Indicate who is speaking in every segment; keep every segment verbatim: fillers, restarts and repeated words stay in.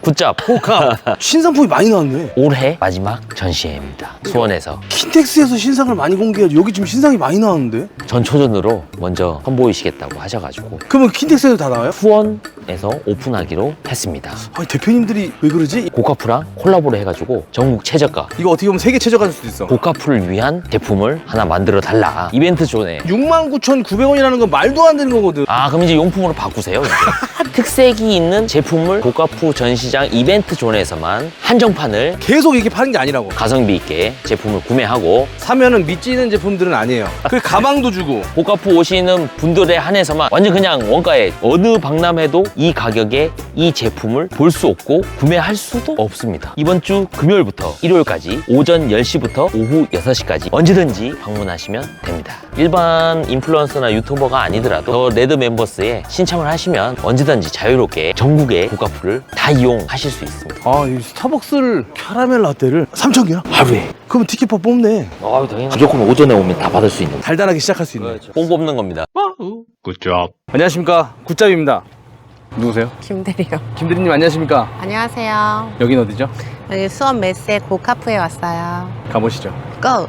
Speaker 1: 굿잡.
Speaker 2: 고카. 신상품이 많이 나왔네.
Speaker 1: 올해 마지막 전시회입니다. 수원에서
Speaker 2: 킨텍스에서 신상을 많이 공개하죠. 여기 지금 신상이 많이 나왔는데.
Speaker 1: 전초전으로 먼저 선보이시겠다고 하셔가지고
Speaker 2: 그러면 킨텍스에도 다 나와요?
Speaker 1: 수원에서 오픈하기로 했습니다.
Speaker 2: 아니 대표님들이 왜 그러지?
Speaker 1: 고카프랑 콜라보를 해가지고 전국 최저가
Speaker 2: 이거 어떻게 보면 세계 최저가일 수도 있어.
Speaker 1: 고카프를 위한 제품을 하나 만들어 달라. 이벤트 존에.
Speaker 2: 육만 구천구백 원이라는 건 말도 안 되는 거거든.
Speaker 1: 아 그럼 이제 용품으로 바꾸세요. 이제. 특색이 있는 제품을 고카프 전시장 이벤트 존에서만 한정판을
Speaker 2: 계속 이렇게 파는 게 아니라고.
Speaker 1: 가성비 있게 제품을 구매하고
Speaker 2: 사면은 미치는 제품들은 아니에요. 그 가방도 주고.
Speaker 1: 고카프 오시는 분들에 한해서만 완전 그냥 원가에 어느 박람회도 이 가격에 이 제품을 볼 수 없고 구매할 수도 없습니다. 이번 주 금요일부터 일요일까지 오전 열 시부터 오후 여섯 시까지 언제든지 방문하시면 됩니다. 일반 인플루언서나 유튜버가 아니더라도 더 레드 멤버스에 신청을 하시면 언제든지 자유롭게 전국의 고카프를 다 이용하실 수 있습니다.
Speaker 2: 아, 이 스타벅스를 캐러멜 라떼를 삼천 개나? 하루에. 그럼 티켓파 뽑네.
Speaker 1: 아, 당연히 무조건 오전에 오면 다 받을 수 있는
Speaker 2: 달달하게 시작할 수 있네.
Speaker 1: 뽕 뽑는 겁니다.
Speaker 2: 굿잡. 안녕하십니까. 굿잡입니다. 누구세요?
Speaker 3: 김대리요.
Speaker 2: 김대리님 안녕하십니까.
Speaker 3: 안녕하세요.
Speaker 2: 여긴 어디죠?
Speaker 3: 여기 수원 메스의 고카프에 왔어요.
Speaker 2: 가보시죠.
Speaker 3: 고!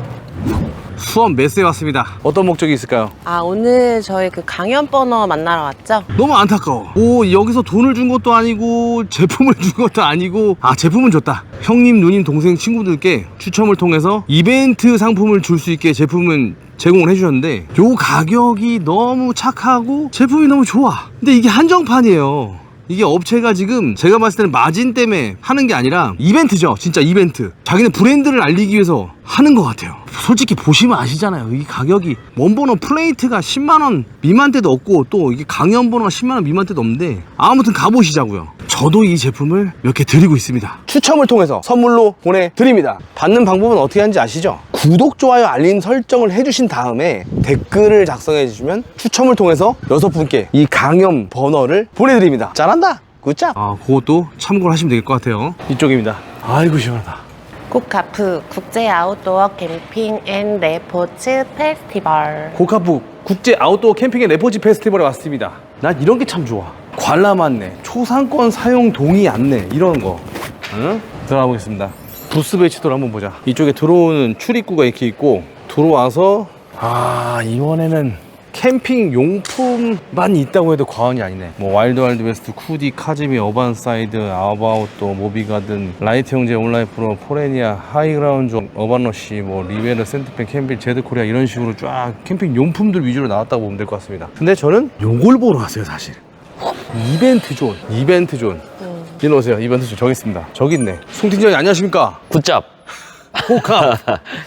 Speaker 2: 수원 메스에 왔습니다. 어떤 목적이 있을까요?
Speaker 3: 아, 오늘 저희 그 강연 버너 만나러 왔죠?
Speaker 2: 너무 안타까워. 오, 여기서 돈을 준 것도 아니고 제품을 준 것도 아니고. 아, 제품은 줬다. 형님, 누님, 동생, 친구들께 추첨을 통해서 이벤트 상품을 줄 수 있게 제품은 제공을 해주셨는데 요 가격이 너무 착하고 제품이 너무 좋아. 근데 이게 한정판이에요. 이게 업체가 지금 제가 봤을 때는 마진 때문에 하는 게 아니라 이벤트죠. 진짜 이벤트. 자기네 브랜드를 알리기 위해서 하는 것 같아요. 솔직히 보시면 아시잖아요. 이 가격이 원버너 플레이트가 십만 원 미만대도 없고 또 이게 강연 버너가 십만 원 미만대도 없는데 아무튼 가보시자고요. 저도 이 제품을 몇 개 드리고 있습니다. 추첨을 통해서 선물로 보내드립니다. 받는 방법은 어떻게 하는지 아시죠? 구독, 좋아요, 알림 설정을 해주신 다음에 댓글을 작성해 주시면 추첨을 통해서 여섯 분께 이 강연 버너를 보내드립니다. 잘한다. 굿잡. 아, 그것도 참고를 하시면 될 것 같아요. 이쪽입니다. 아이고 시원하다.
Speaker 3: 고카프 국제 아웃도어 캠핑 앤 레포츠 페스티벌.
Speaker 2: 고카프 국제 아웃도어 캠핑 앤 레포츠 페스티벌에 왔습니다. 난 이런 게 참 좋아. 관람 안내, 초상권 사용 동의 안내 이런 거. 응? 들어가 보겠습니다. 부스 배치도를 한번 보자. 이쪽에 들어오는 출입구가 이렇게 있고 들어와서 아, 이번에는 캠핑 용품만 있다고 해도 과언이 아니네. 뭐 와일드 와일드 웨스트, 쿠디, 카즈미, 어반사이드, 아바웃도, 모비가든, 라이트 형제, 온라인 프로, 포레니아, 하이그라운드, 어반러시, 뭐 리베르, 센트펜, 캠빌, 제드코리아 이런 식으로 쫙 캠핑 용품들 위주로 나왔다고 보면 될 것 같습니다. 근데 저는 요걸 보러 왔어요, 사실. 이벤트 존, 이벤트 존.
Speaker 3: 음.
Speaker 2: 일로 오세요. 이벤트 존 저기 있습니다. 저기 있네. 송 팀장님 안녕하십니까?
Speaker 1: 굿잡.
Speaker 2: 고카.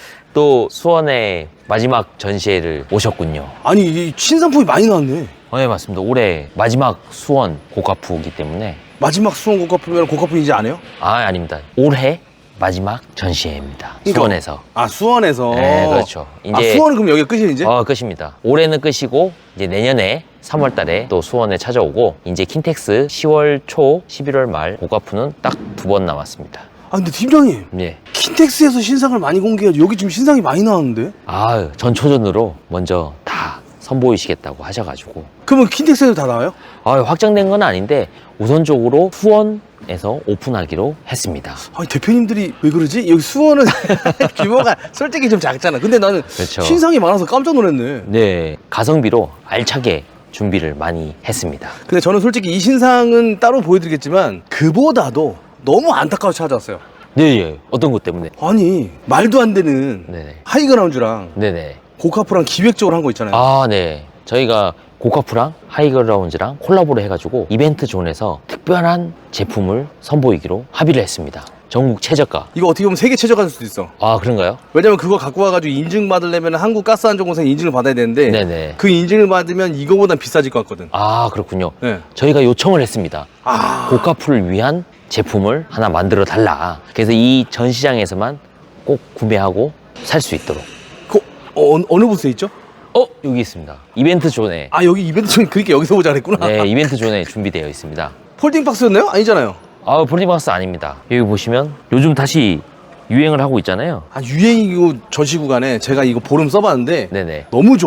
Speaker 1: 또 수원의 마지막 전시회를 오셨군요.
Speaker 2: 아니 이 신상품이 많이 나왔네.
Speaker 1: 어, 네 맞습니다. 올해 마지막 수원 고카프이기 때문에.
Speaker 2: 마지막 수원 고카프면 고카프 이제 안 해요?
Speaker 1: 아 아닙니다. 올해 마지막 전시회입니다.
Speaker 2: 그러니까,
Speaker 1: 수원에서.
Speaker 2: 아 수원에서.
Speaker 1: 네 그렇죠. 이제
Speaker 2: 아 수원은 그럼 여기가 끝이 이제?
Speaker 1: 어 끝입니다. 올해는 끝이고 이제 내년에 삼월 달에 또 수원에 찾아오고 이제 킨텍스 시월 초 십일월 말 고카프는 딱 두 번 남았습니다.
Speaker 2: 아 근데 팀장님
Speaker 1: 예.
Speaker 2: 킨텍스에서 신상을 많이 공개하죠. 여기 지금 신상이 많이 나왔는데?
Speaker 1: 아 전초전으로 먼저 다 선보이시겠다고 하셔가지고.
Speaker 2: 그러면 킨텍스에도 다 나와요?
Speaker 1: 아 확정된 건 아닌데 우선적으로 수원에서 오픈하기로 했습니다.
Speaker 2: 아니 대표님들이 왜 그러지? 여기 수원은 규모가 솔직히 좀 작잖아. 근데 나는
Speaker 1: 그렇죠.
Speaker 2: 신상이 많아서 깜짝 놀랐네.
Speaker 1: 네 가성비로 알차게 준비를 많이 했습니다.
Speaker 2: 근데 저는 솔직히 이 신상은 따로 보여드리겠지만 그보다도 너무 안타까워 찾아왔어요.
Speaker 1: 네, 예. 어떤 것 때문에?
Speaker 2: 아니 말도 안 되는
Speaker 1: 네네.
Speaker 2: 하이그라운드랑
Speaker 1: 네네.
Speaker 2: 고카프랑 기획적으로 한 거 있잖아요.
Speaker 1: 아, 네. 저희가 고카프랑 하이그라운드랑 콜라보를 해가지고 이벤트 존에서 특별한 제품을 선보이기로 합의를 했습니다. 전국 최저가.
Speaker 2: 이거 어떻게 보면 세계 최저가일 수도 있어.
Speaker 1: 아, 그런가요?
Speaker 2: 왜냐면 그거 갖고 와가지고 인증받으려면 한국가스안전공사에 인증을 받아야 되는데
Speaker 1: 네네.
Speaker 2: 그 인증을 받으면 이거보단 비싸질 것 같거든.
Speaker 1: 아, 그렇군요.
Speaker 2: 네.
Speaker 1: 저희가 요청을 했습니다.
Speaker 2: 아.
Speaker 1: 고카프를 위한 제품을 하나 만들어 달라. 그래서 이 전시장에서만 꼭 구매하고 살 수 있도록.
Speaker 2: 그, 어, 어느 부스에 있죠?
Speaker 1: 어, 여기 있습니다. 이벤트 존에.
Speaker 2: 아 여기 이벤트 좀 그렇게 여기서 보자 그랬구나.
Speaker 1: 네, 이벤트 존에 준비되어 있습니다.
Speaker 2: 폴딩 박스였나요? 아니잖아요.
Speaker 1: 아, 폴리박스 아닙니다. 여기 보시면 요즘 다시 유행을 하고 있잖아요.
Speaker 2: 아 유행이고 전시 구간에 제가 이거 보름 써봤는데
Speaker 1: 네네.
Speaker 2: 너무 좋아.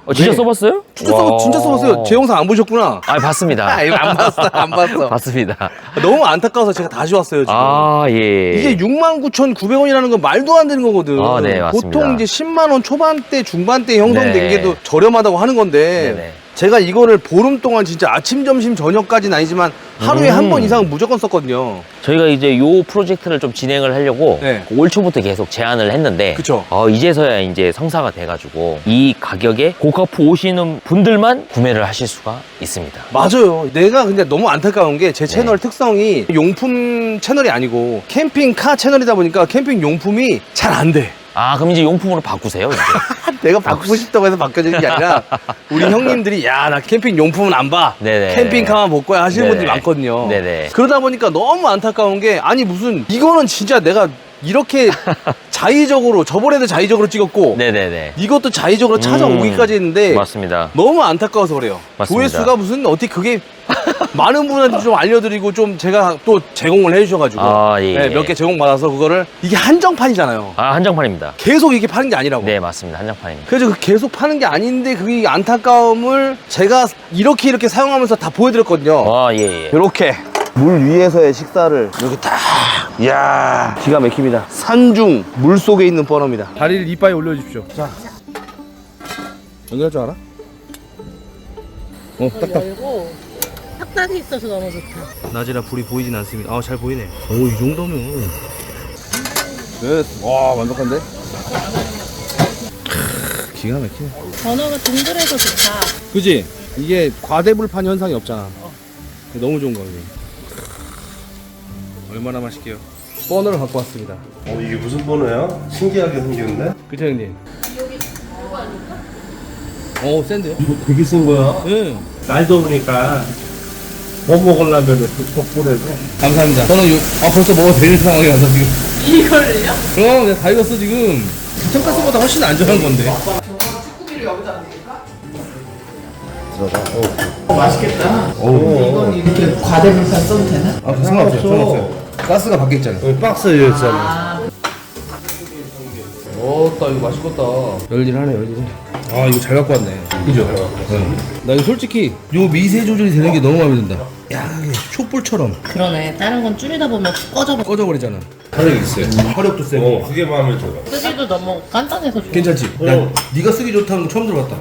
Speaker 1: 어, 진짜
Speaker 2: 네.
Speaker 1: 써봤어요?
Speaker 2: 진짜, 써, 진짜 써봤어요. 제 영상 안 보셨구나.
Speaker 1: 아, 봤습니다.
Speaker 2: 아, 이거 안 봤어, 안 봤어.
Speaker 1: 봤습니다.
Speaker 2: 너무 안타까워서 제가 다시 왔어요, 지금.
Speaker 1: 아, 예.
Speaker 2: 이게 육만 구천구백 원이라는 건 말도 안 되는 거거든.
Speaker 1: 아, 네, 맞습니다.
Speaker 2: 보통 이제 십만 원 초반대, 중반대 형성된
Speaker 1: 네.
Speaker 2: 게 더 저렴하다고 하는 건데.
Speaker 1: 네네.
Speaker 2: 제가 이거를 보름 동안 진짜 아침, 점심, 저녁까지는 아니지만 하루에
Speaker 1: 음.
Speaker 2: 한 번 이상은 무조건 썼거든요.
Speaker 1: 저희가 이제 요 프로젝트를 좀 진행을 하려고
Speaker 2: 네.
Speaker 1: 올 초부터 계속 제안을 했는데
Speaker 2: 그쵸.
Speaker 1: 어, 이제서야 이제 성사가 돼가지고 이 가격에 고카프 오시는 분들만 구매를 하실 수가 있습니다.
Speaker 2: 맞아요. 내가 근데 너무 안타까운 게 제 채널
Speaker 1: 네.
Speaker 2: 특성이 용품 채널이 아니고 캠핑카 채널이다 보니까 캠핑 용품이 잘 안 돼.
Speaker 1: 아, 그럼 이제 용품으로 바꾸세요. 이제.
Speaker 2: 내가 바꾸고 싶다고 해서 바뀌어지는 게 아니라 우리 형님들이 야, 나 캠핑 용품은 안 봐.
Speaker 1: 네네.
Speaker 2: 캠핑카만 볼 거야 하시는
Speaker 1: 네네.
Speaker 2: 분들이 많거든요.
Speaker 1: 네네.
Speaker 2: 그러다 보니까 너무 안타까운 게 아니 무슨 이거는 진짜 내가 이렇게 자의적으로 저번에도 자의적으로 찍었고
Speaker 1: 네네네.
Speaker 2: 이것도 자의적으로 찾아오기까지 했는데
Speaker 1: 맞습니다.
Speaker 2: 너무 안타까워서 그래요.
Speaker 1: 맞습니다.
Speaker 2: 조회수가 무슨 어떻게 그게 많은 분한테 좀 알려드리고 좀 제가 또 제공을 해주셔가지고
Speaker 1: 아, 예, 예.
Speaker 2: 몇 개 제공받아서 그거를 이게 한정판이잖아요.
Speaker 1: 아, 한정판입니다.
Speaker 2: 계속 이렇게 파는 게 아니라고.
Speaker 1: 네, 맞습니다. 한정판입니다.
Speaker 2: 그래서 그 계속 파는 게 아닌데 그게 안타까움을 제가 이렇게 이렇게 사용하면서 다 보여드렸거든요.
Speaker 1: 아, 예, 예.
Speaker 2: 이렇게 물 위에서의 식사를 이렇게 딱 이야 기가 막힙니다. 산중 물 속에 있는 버너입니다. 다리를 이빨에 올려주십시오. 자 연결할 줄 알아? 어 딱딱
Speaker 3: 열고 탁탁이 있어서 너무 좋다.
Speaker 2: 낮이라 불이 보이진 않습니다. 아 잘 보이네. 오 이 정도면 끝와 완벽한데? 크, 기가 막히네.
Speaker 3: 번호가 동그래서 좋다.
Speaker 2: 그지? 이게 과대불판 현상이 없잖아. 너무 좋은 거예요. 얼마나 맛있게요. 버너를 갖고 왔습니다.
Speaker 4: 어 이게 무슨 번호야? 신기하게 생겼네?
Speaker 2: 그쵸 형님? 어 센데요?
Speaker 4: 이거 되게 쓴 거야?
Speaker 2: 응.
Speaker 4: 날 더우니까 못 먹으려면 족불해서
Speaker 2: 감사합니다. 저는 요, 아 벌써 먹어도 되는 상황이 와서 지금. 이걸요? 그럼 내가 다 익었어 지금. 부천가스보다 훨씬 안전한 건데.
Speaker 5: 이건 이렇게 과대불판 써도 되나?
Speaker 2: 아 상관없어요. 상관없어요. 가스가 바뀌었잖아.
Speaker 4: 여기 박스였잖아.
Speaker 2: 어따 이거 맛있겠다. 열일하네 열일해. 아 이거 잘 갖고 왔네. 그죠? 응. 나 이거 솔직히 요 미세 조절이 되는 게 너무 마음에 든다. 야 이게 촛불처럼
Speaker 3: 그러네. 다른 건 줄이다 보면 꺼져버.
Speaker 2: 꺼져버리잖아. 화력이 있어요. 화력도 세고.
Speaker 4: 어 그게 마음에 들어.
Speaker 3: 쓰기도 너무 간단해서 좋아.
Speaker 2: 괜찮지? 난 네가 쓰기 좋다는 거 처음 들어봤다.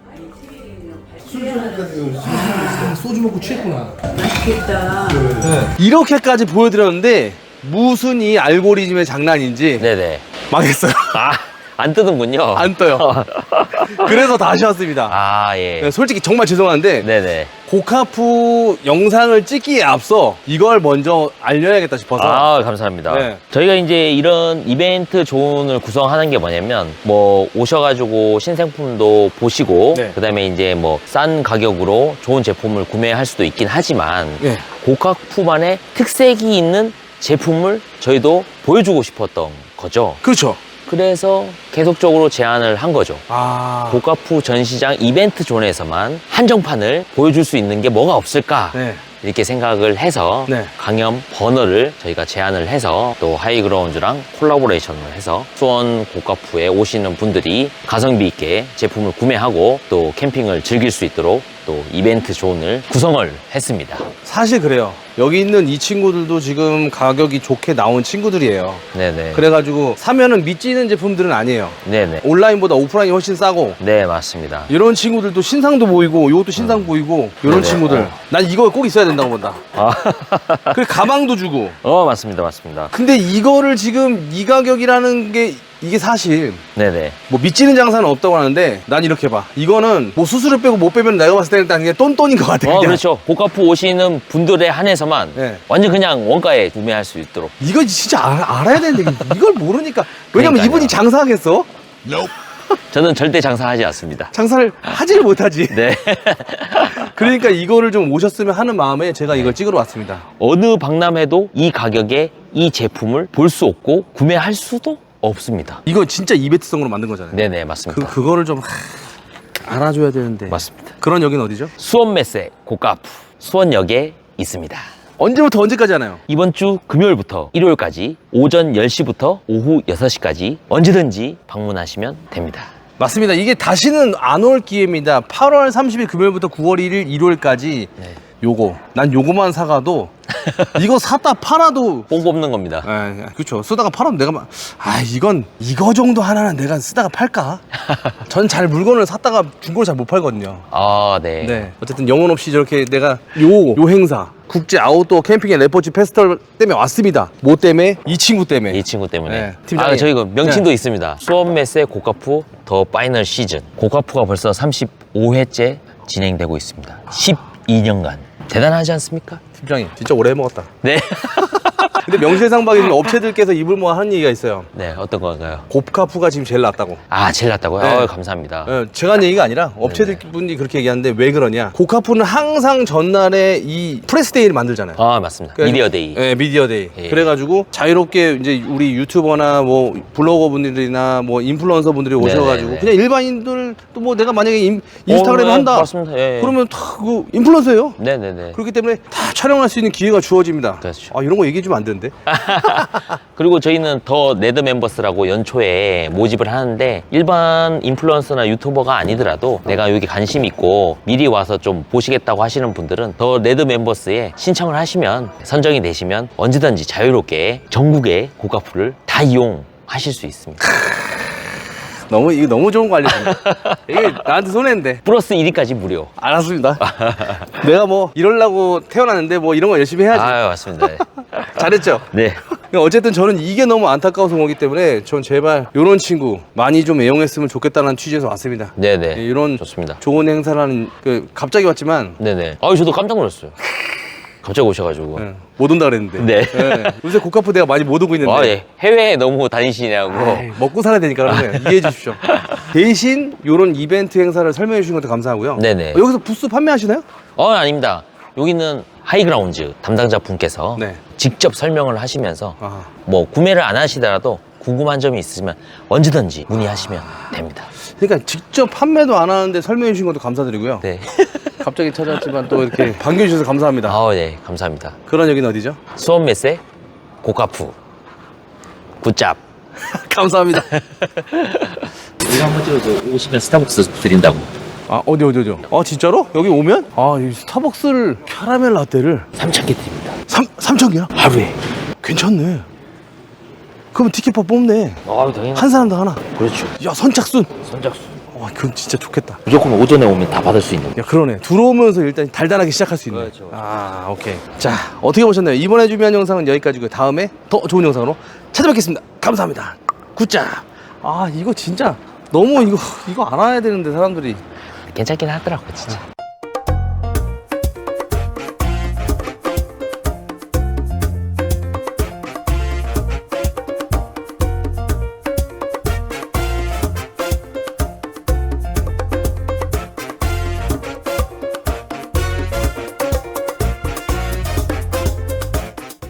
Speaker 2: 아, 소주 먹고 취했구나.
Speaker 5: 맛있겠다.
Speaker 2: 네. 이렇게까지 보여드렸는데 무슨 이 알고리즘의 장난인지
Speaker 1: 네네.
Speaker 2: 망했어요.
Speaker 1: 아, 안 뜨는군요.
Speaker 2: 안 떠요. 그래서 다시 왔습니다.
Speaker 1: 아, 예.
Speaker 2: 네, 솔직히 정말 죄송한데
Speaker 1: 네네.
Speaker 2: 고카프 영상을 찍기에 앞서 이걸 먼저 알려야겠다 싶어서.
Speaker 1: 아, 감사합니다.
Speaker 2: 네.
Speaker 1: 저희가 이제 이런 이벤트 존을 구성하는 게 뭐냐면, 뭐, 오셔가지고 신생품도 보시고,
Speaker 2: 네.
Speaker 1: 그 다음에 이제 뭐, 싼 가격으로 좋은 제품을 구매할 수도 있긴 하지만,
Speaker 2: 예.
Speaker 1: 고카프만의 특색이 있는 제품을 저희도 보여주고 싶었던 거죠.
Speaker 2: 그렇죠.
Speaker 1: 그래서 계속적으로 제안을 한 거죠.
Speaker 2: 아.
Speaker 1: 고카프 전시장 이벤트 존에서만 한정판을 보여줄 수 있는 게 뭐가 없을까?
Speaker 2: 네.
Speaker 1: 이렇게 생각을 해서
Speaker 2: 네.
Speaker 1: 강연 버너를 저희가 제안을 해서 또 하이그라운드랑 콜라보레이션을 해서 수원 고카프에 오시는 분들이 가성비 있게 제품을 구매하고 또 캠핑을 즐길 수 있도록 또 이벤트 존을 구성을 했습니다.
Speaker 2: 사실 그래요. 여기 있는 이 친구들도 지금 가격이 좋게 나온 친구들이에요.
Speaker 1: 네네.
Speaker 2: 그래가지고 사면은 미치는 제품들은 아니에요.
Speaker 1: 네네.
Speaker 2: 온라인보다 오프라인이 훨씬 싸고
Speaker 1: 네, 맞습니다.
Speaker 2: 이런 친구들도 신상도 보이고 이것도 신상 보이고 이런
Speaker 1: 네네.
Speaker 2: 친구들
Speaker 1: 어.
Speaker 2: 난 이거 꼭 있어야 된다고 본다.
Speaker 1: 아,
Speaker 2: 그리고 가방도 주고
Speaker 1: 어, 맞습니다. 맞습니다.
Speaker 2: 근데 이거를 지금 이 가격이라는 게 이게 사실
Speaker 1: 네네.
Speaker 2: 뭐 미치는 장사는 없다고 하는데 난 이렇게 봐. 이거는 뭐 수수료 빼고 못 빼면 내가 봤을 때는 일단 그냥 똔똔인 것 같아.
Speaker 1: 어,
Speaker 2: 그냥.
Speaker 1: 그렇죠. 고카프 오시는 분들에 한해서만
Speaker 2: 네.
Speaker 1: 완전 그냥 원가에 구매할 수 있도록.
Speaker 2: 이거 진짜 알, 알아야 되는데 이걸 모르니까 왜냐면
Speaker 1: 그러니까요.
Speaker 2: 이분이 장사하겠어?
Speaker 1: 저는 절대 장사하지 않습니다.
Speaker 2: 장사를 하지를 못하지.
Speaker 1: 네.
Speaker 2: 그러니까 이거를 좀 오셨으면 하는 마음에 제가 이걸 찍으러 왔습니다.
Speaker 1: 어느 박람회도 이 가격에 이 제품을 볼 수 없고 구매할 수도 없습니다.
Speaker 2: 이거 진짜 이벤트성으로 만든 거잖아요.
Speaker 1: 네네,
Speaker 2: 그,
Speaker 1: 맞습니다.
Speaker 2: 그거를 좀 하, 알아줘야 되는데.
Speaker 1: 맞습니다.
Speaker 2: 그런 여긴 어디죠?
Speaker 1: 수원메세 고카프 수원역에 있습니다.
Speaker 2: 언제부터 언제까지 하나요?
Speaker 1: 이번 주 금요일부터 일요일까지 오전 열 시부터 오후 여섯 시까지 언제든지 방문하시면 됩니다.
Speaker 2: 맞습니다. 이게 다시는 안 올 기회입니다. 팔월 삼십일 금요일부터 구월 일일 일요일까지
Speaker 1: 네.
Speaker 2: 요거 난 요거만 사가도 이거 샀다 팔아도
Speaker 1: 뽕 뽑는 겁니다.
Speaker 2: 아, 그렇죠. 쓰다가 팔아도 내가 막, 아 이건 이거 정도 하나는 내가 쓰다가 팔까? 전 잘 물건을 샀다가 중고를 잘 못 팔거든요.
Speaker 1: 아, 네.
Speaker 2: 네. 어쨌든 영혼 없이 저렇게 내가 요, 요 행사 국제 아웃도어 캠핑 앤 레포츠 페스티벌 때문에 왔습니다. 뭐 때문에? 이 친구 때문에.
Speaker 1: 이 친구 때문에.
Speaker 2: 네, 팀장님.
Speaker 1: 아, 저희가 명칭도
Speaker 2: 네.
Speaker 1: 있습니다. 수원메세 고카프 더 파이널 시즌. 고카프가 벌써 삼십오 회째 진행되고 있습니다. 십이 년간. 대단하지 않습니까?
Speaker 2: 팀장님 진짜 오래 해먹었다.
Speaker 1: 네.
Speaker 2: 근데 명실상부하게 지금 업체들께서 입을 모아 하는 얘기가 있어요.
Speaker 1: 네, 어떤 건가요?
Speaker 2: 곱카프가 지금 제일 낫다고.
Speaker 1: 아, 제일 낫다고요?
Speaker 2: 네.
Speaker 1: 어, 감사합니다.
Speaker 2: 예, 제가 한 얘기가 아니라 업체들 분이 그렇게 얘기하는데 왜 그러냐? 고카프는 항상 전날에 이 프레스데이를 만들잖아요.
Speaker 1: 아, 맞습니다.
Speaker 2: 그래서-
Speaker 1: 미디어데이.
Speaker 2: 네, 미디어데이.
Speaker 1: 예.
Speaker 2: 그래가지고 자유롭게 이제 우리 유튜버나 뭐 블로거 분들이나 뭐 인플루언서 분들이 오셔가지고
Speaker 1: 네네네.
Speaker 2: 그냥 일반인들도 뭐 내가 만약에 인, 인스타그램
Speaker 1: 어, 네,
Speaker 2: 한다.
Speaker 1: 맞습니다. 예, 예.
Speaker 2: 그러면 다 그 인플루언서예요.
Speaker 1: 네네네.
Speaker 2: 그렇기 때문에 다 촬영할 수 있는 기회가 주어집니다.
Speaker 1: 그렇죠.
Speaker 2: 아 이런 거 얘기해 주면 안 되는데.
Speaker 1: 그리고 저희는 더 네드 멤버스라고 연초에 모집을 하는데 일반 인플루언서나 유튜버가 아니더라도 내가 여기 관심 있고 미리 와서 좀 보시겠다고 하시는 분들은 더 네드 멤버스에 신청을 하시면 선정이 되시면 언제든지 자유롭게 전국의 고가프를 다 이용하실 수 있습니다.
Speaker 2: 너무 이거 너무 좋은 거 알려준다. 이게 나한테 손해인데.
Speaker 1: 플러스 일 위까지 무료.
Speaker 2: 알았습니다. 내가 뭐 이러려고 태어났는데 뭐 이런 거 열심히 해야지.
Speaker 1: 아, 맞습니다.
Speaker 2: 잘했죠?
Speaker 1: 네.
Speaker 2: 어쨌든 저는 이게 너무 안타까워서 오기 때문에 전 제발 이런 친구 많이 좀 애용했으면 좋겠다는 취지에서 왔습니다.
Speaker 1: 네네.
Speaker 2: 네, 이런
Speaker 1: 좋습니다.
Speaker 2: 좋은 행사라는 그 갑자기 왔지만
Speaker 1: 네네. 아, 저도 깜짝 놀랐어요. 갑자기 오셔가지고.
Speaker 2: 네, 못 온다 그랬는데.
Speaker 1: 네.
Speaker 2: 네, 요새 고카프 내가 많이 못 오고 있는데.
Speaker 1: 아, 예. 해외에 너무 다니시냐고.
Speaker 2: 아이, 먹고 살아야 되니까 그러면 이해해 주십시오. 대신 이런 이벤트 행사를 설명해 주신 것도 감사하고요.
Speaker 1: 네네.
Speaker 2: 어, 여기서 부스 판매하시나요?
Speaker 1: 어, 아닙니다. 여기는 하이그라운즈 담당자 분께서
Speaker 2: 네.
Speaker 1: 직접 설명을 하시면서
Speaker 2: 아.
Speaker 1: 뭐 구매를 안 하시더라도 궁금한 점이 있으시면 언제든지 문의하시면 됩니다.
Speaker 2: 그러니까 직접 판매도 안 하는데 설명해 주신 것도 감사드리고요.
Speaker 1: 네.
Speaker 2: 갑자기 찾아왔지만 또 이렇게 반겨주셔서 감사합니다.
Speaker 1: 아, 네. 감사합니다.
Speaker 2: 그런 여기는 어디죠?
Speaker 1: 수원메세 고카프 굿잡.
Speaker 2: 감사합니다.
Speaker 1: 이거 한번 찍어서 오시면 스타벅스 드린다고.
Speaker 2: 아 어디 어디 어디? 아 진짜로? 여기 오면? 아이 스타벅스를 캐러멜 라떼를
Speaker 1: 삼천 개 드립니다.
Speaker 2: 삼 삼천 개나?
Speaker 1: 하루에.
Speaker 2: 괜찮네. 그럼 티켓파 뽑네.
Speaker 1: 아, 당연히.
Speaker 2: 한 사람당 하나.
Speaker 1: 그렇죠.
Speaker 2: 야 선착순.
Speaker 1: 선착순.
Speaker 2: 와 그건 진짜 좋겠다.
Speaker 1: 무조건 오전에 오면 다 받을 수 있는.
Speaker 2: 야 그러네. 들어오면서 일단 달달하게 시작할 수 있네.
Speaker 1: 그렇죠.
Speaker 2: 아 오케이. 자 어떻게 보셨나요? 이번에 준비한 영상은 여기까지고요. 다음에 더 좋은 영상으로 찾아뵙겠습니다. 감사합니다. 굿자. 아 이거 진짜 너무 이거 이거 알아야 되는데 사람들이.
Speaker 1: 괜찮긴 하더라고, 진짜.